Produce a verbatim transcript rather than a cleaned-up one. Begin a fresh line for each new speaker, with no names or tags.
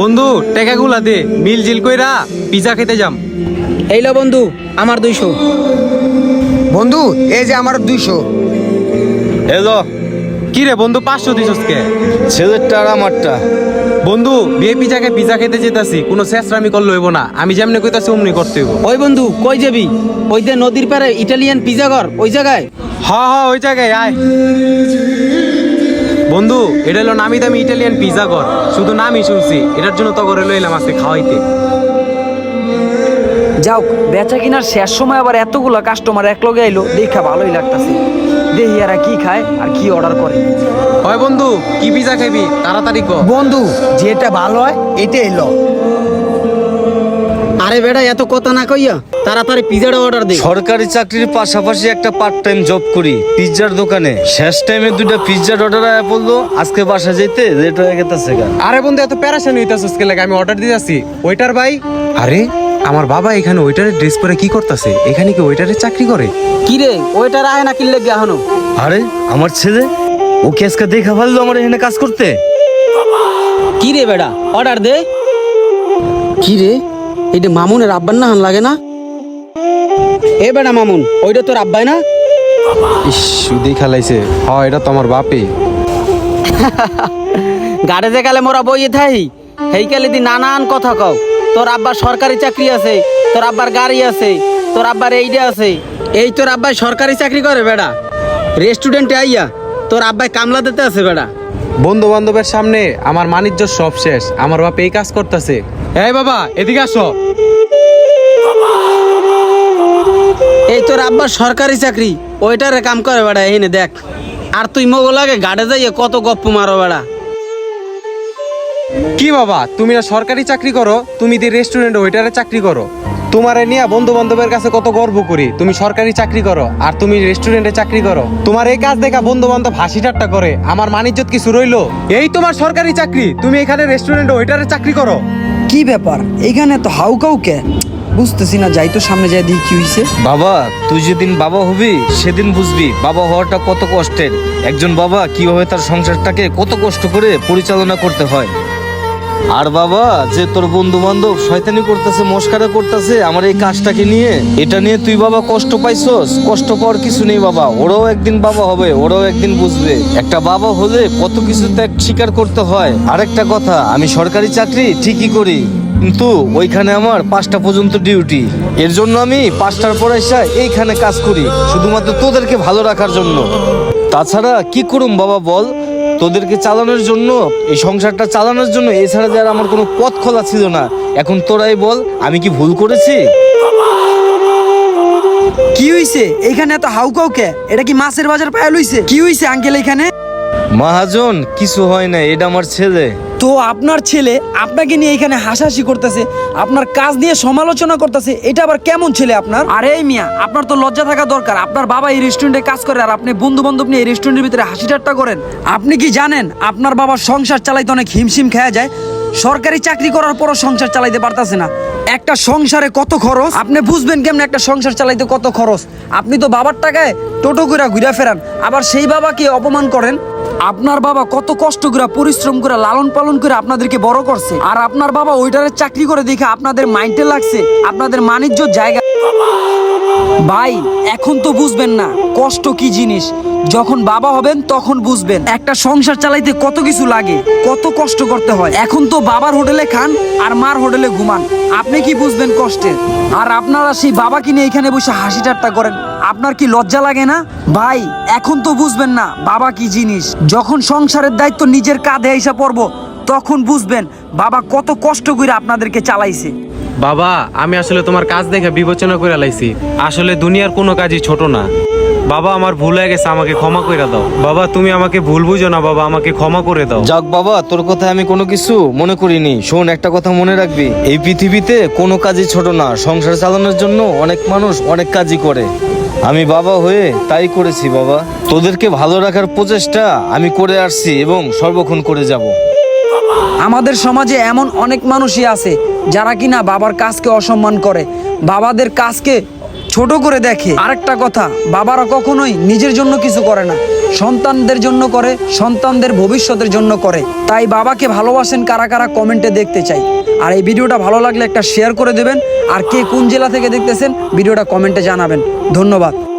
বন্ধু টাকাগুলা দে, মিল জিল কইরা পিজা খেতে যাম।
এই লো বন্ধু, আমার দুইশো।
বন্ধু এই যে আমার দুইশো।
এলো
কি রে বন্ধু, পাঁচশো দিছস কে?
ছেলেরটা আর আমারটা।
বন্ধু বিয়ে পিজাকে পিজা খেতে যেতাছি, কোনো শেষরামি করলে হইব না। আমি যেমনি কইতাছি অমনি করতে হইব।
ওই বন্ধু কই যাবি? ওই যে নদীর পারে ইটালিয়ান পিজা ঘর, ওই জায়গায়।
হ হ ওই জায়গায় আয়। বন্ধু এটা হলো নামি দামি ইটালিয়ান পিজা ঘর, শুধু নামই শুনছি, এটার জন্য তো করে লইলাম আজকে খাওয়াইতে।
যাও, বেচা কিনার শেষ সময় আবার এতগুলা কাস্টমার এক লগে আইলো, দেখা ভালোই লাগতাছে। দেখি এরা কি খায় আর কি অর্ডার করে।
হয় বন্ধু, কি পিজা খাবি তাড়াতাড়ি ক।
বন্ধু যেটা ভালো হয় এটা এলো।
আরে বেটা এত কথা না কইয়া তাড়াতাড়ি পিজাটা অর্ডার দে।
সরকারি চাকরির পাশাপাশি একটা পার্ট টাইম জব করি পিৎজার দোকানে। শেষ টাইমে দুইটা পিৎজার অর্ডার আয়া পড়লো, আজকে বাসা যেতে লেট হয়ে গেছে।
আরে বন্ধু এত প্যারাশান হইতাছস কে লাগে? আমি অর্ডার দিতেছি। ওয়েটার ভাই, আরে আমার বাবা এখানে ওয়েটারের ড্রেস পরে কি করতেছে? এখানে কি ওয়েটারের চাকরি করে?
কি রে ওইটার আয় না কিনলে গিয়া হনো?
আরে আমার ছেলে, ও কি আজকে দেখা ভালো আমার এখানে কাজ করতে?
কি রে বেটা অর্ডার দে। কি রে এইটা মামুনের আব্বার না লাগে না? এ বেটা মামুন, ওইটা তোর আব্বাই না?
ইস শুধুই খেলাইছে। হ এটা তো আমার বাপে।
গাড়ে যে কালে মোরা বইয়ে থাই, সেই কালে দি নানান কথা কও। তোর আব্বার সরকারি চাকরি আছে, তোর আব্বার গাড়ি আছে, তোর আব্বার এইটা আছে। এই তোর আব্বাই সরকারি চাকরি করে বেটা, রেস্টুরেন্টে আইয়া তোর আব্বাই কামলা দিতে আছে বেটা।
বন্ধু বান্ধবের সামনে আমার মানিজ্য সব শেষ, আমার বাপ এই কাজ করতেছে। এই বাবা এদিকে আসো।
এই তোর আব্বার সরকারি চাকরি, ওইটারে কাম করে বেটা। এইনে দেখ, আর তুই মগো লাগে গাড়ে যাইয়ে কত গপ্প মারো বেটা।
কি বাবা, তুমি না সরকারি চাকরি করো, তুমি দি রেস্টুরেন্টে ওয়েটারে চাকরি করো। তোমারে নিয়ে বন্ধু বান্ধবের কাছে কত গর্ব করি। তুমি সরকারি চাকরি করো আর তুমি রেস্টুরেন্টে চাকরি করো। তোমার এই কাজ দেখা বন্ধু বান্ধব হাসি ঠাট্টা করে, আমার মানিজ্যত কিছু রইলো? এই তোমার সরকারি চাকরি, তুমি এখানে রেস্টুরেন্টে ওয়েটারে চাকরি করো।
কি ব্যাপার এইখানে তো হাউ কাউ কে? বুঝতেছি না, যাই তো সামনে যাই দেখি কি হইছে।
বাবা তুই যেদিন বাবা হবি সেদিন বুঝবি বাবা হওয়াটা কত কষ্টের। একজন বাবা কিভাবে তার সংসারটাকে কত কষ্ট করে পরিচালনা করতে হয়। আর বাবা যে তোর বন্ধু বান্ধব শয়তানি করতেছে, মস্কারা করতেছে আমার এই কাজটাকে নিয়ে, এটা নিয়ে তুই বাবা কষ্ট পাইছস? কষ্ট পাওয়ার কিছু নেই বাবা, ওরাও একদিন বাবা হবে, ওরাও একদিন বুঝবে একটা বাবা হলে কত কিছু ত্যাগ স্বীকার করতে হয়। আরেকটা কথা, আমি সরকারি চাকরি ঠিকই করি, কিন্তু ওইখানে আমার পাঁচটা পর্যন্ত ডিউটি। এর জন্য আমি পাঁচটার পর এসে এইখানে কাজ করি শুধুমাত্র তোদেরকে ভালো রাখার জন্য। তাছাড়া কি করুম বাবা বল, তোদেরকে চালানোর জন্য, এই সংসারটা চালানোর জন্য, এছাড়া যে আর আমার কোনো পথ খোলা ছিল না। এখন তোরাই বল আমি কি ভুল করেছি?
কি হইছে এইখানে এত হাউ কাউ কে? এটা কি মাছের বাজার পায়া লইছে? কি হইছে আঙ্কেল এখানে?
মহাজন কিছু হয় না, এটা আমার ছেলে।
তো আপনার ছেলে আপনাকে নিয়ে এখানে হাসাহাসি করতেছে, আপনার কাজ নিয়ে সমালোচনা করতেছে, এটা আবার কেমন ছেলে আপনার? আরে এই মিয়া, আপনার তো লজ্জা থাকা দরকার। আপনার বাবা এই রেস্টুরেন্টে কাজ করে আর আপনি বন্ধু বান্ধব নিয়ে এই রেস্টুরেন্টের ভিতরে হাসি ঠাট্টা করেন। আপনি কি জানেন আপনার বাবার সংসার চালাইতে অনেক হিমশিম খেয়া যায়? সরকারি চাকরি করার পরও সংসার চালাইতে পারতাছে না। একটা সংসারে কত খরচ আপনি বুঝবেন কেমন? একটা সংসার চালাইতে কত খরচ। আপনি তো বাবার টাকায় টোটো করে ঘুরে ফেরান, আবার সেই বাবাকে অপমান করেন। আপনার বাবা কত কষ্ট করে পরিশ্রম করে লালন পালন করে আপনাদেরকে বড় করছে, আর আপনার বাবা ওইটারে চাকরি করে দেখে আপনাদের মাইন্ডে লাগছে আপনাদের মানিজ্য জায়গা। ভাই এখন তো বুঝবেন না কষ্ট কি জিনিস, যখন বাবা হবেন তখন বুঝবেন একটা সংসার চালাইতে কত কিছু লাগে, কত কষ্ট করতে হয়। এখন তো বাবার হোটেলে খান আর মার হোটেলে ঘুমান, আপনি কি বুঝবেন কষ্টের? আর আপনারা সেই বাবাকে নিয়ে এখানে বসে হাসি ঠাট্টা করেন, আপনার কি লজ্জা লাগে না? ভাই এখন তো বুঝবেন না বাবা কি জিনিস। যখন সংসারের দায়িত্ব নিজের কাঁধে এসে পড়বো তখন বুঝবেন বাবা কত কষ্ট করে আপনাদেরকে চালাইছে।
বাবা আমি আসলে তোমার কাজ দেখে বিবেচনা করে লাইছি, আসলে দুনিয়ার কোনো কাজই ছোট না। বাবা আমার ভুল হয়ে গেছে, আমাকে ক্ষমা করে দাও। বাবা তুমি আমাকে ভুল বুঝো না, বাবা আমাকে ক্ষমা করে দাও।
যাক বাবা, তোর কথা আমি কোনো কিছু মনে করিনি। শোন, একটা কথা মনে রাখবি, এই পৃথিবীতে কোনো কাজই ছোট না। সংসার চালানোর জন্য অনেক মানুষ অনেক কাজই করে, আমি বাবা হয়ে তাই করেছি বাবা। তোদেরকে ভালো রাখার প্রচেষ্টা আমি করে আসছি এবং সর্বক্ষণ করে যাব।
আমাদের সমাজে এমন অনেক মানুষই আছে যারা কিনা বাবার কাজকে অসম্মান করে, বাবাদের কাজকে ছোট করে দেখে। আরেকটা কথা, বাবারা কখনোই নিজের জন্য কিছু করে না, সন্তানদের জন্য করে, সন্তানদের ভবিষ্যতের জন্য করে। তাই বাবাকে ভালোবাসেন কারা কারা কমেন্টে দেখতে চাই। আর এই ভিডিওটা ভালো লাগলে একটা শেয়ার করে দেবেন। আর কে কোন জেলা থেকে দেখতেছেন ভিডিওটা কমেন্টে জানাবেন। ধন্যবাদ।